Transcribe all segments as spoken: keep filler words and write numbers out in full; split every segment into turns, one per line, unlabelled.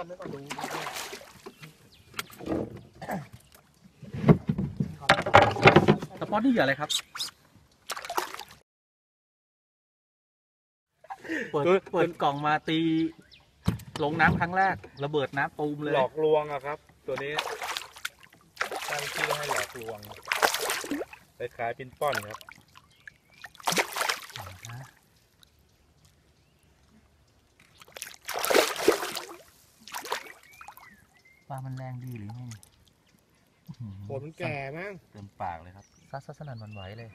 ก่อนนึกก่อนดู
สปอตนี่เหยื่ออะไรครับเปิดเปิดกล่องมาตีลงน้ำครั้งแรกระเบิดน้ำตูมเลย
หลอกลวงอะครับ ตัวนี้ตั้งชื่อให้หลอกลวงคล้ายๆปิ้นป้อนครับ
ปลามันแรงดีหรือไง
โหดมันแก่มั้ง
เต็มปากเลยครับซัดซัดสนั่นหวันไหวเลย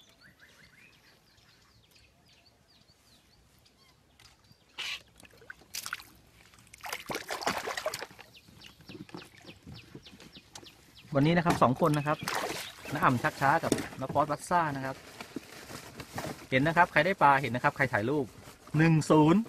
วันนี้นะครับสองคนนะครับน้าอ่ำชักช้ากับน้าป๊อตวัดซ่านะครับเห็นนะครับใครได้ปลาเห็นนะครับใครถ่ายรูปหนึ่งศูนย์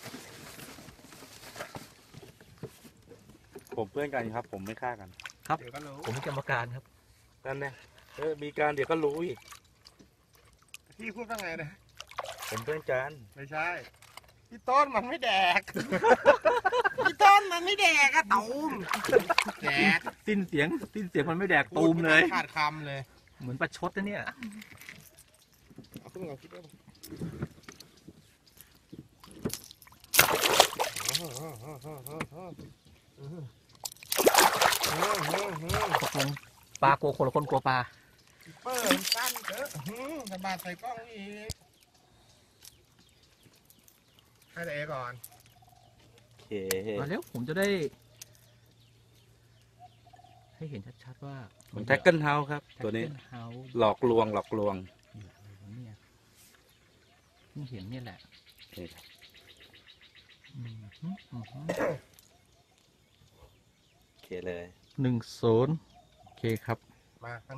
ผมเพื่อนกันครับ ผมไม่ฆ่ากัน
ครับ
เดี๋ยวก็รู้
ผมเป็นกรรมการครับ
นั่นแน่เออมีการเดี๋ยวก็รู้อีก
พี่พูดว่าไงนะ
ผมเพื่อนกัน
ไม่ใช่พี่ต้นมันไม่แดกพี่ต้นมันไม่แดกอะตูมแดก
สิ้นเสียงสิ้นเสียงมันไม่แดกตูมเลย
ขาดคำเลย
เหมือนประชดนะเนี่ย
เอาขึ้นมาเอาคิดได้ปะ
ตกลงปลากลัวคนละคนกลัวปลา
เปิดสั้นเถอะสบายใส่กล้องอีกให้แต่เอก่อน
โอเค
มาเร็วผมจะได้ ให้เห็นชัดๆว่า
แท็กเกิลเฮาส์ครับ ตัวนี้
เฮา
หลอกลวงหลอกลวง
เนี่ยเพิ่งเห็นเนี่ยแหละ
นี่
อืมฮึอืมฮึ
โอเคเลย
หนึ่งศูนย์โอเคครับ
มา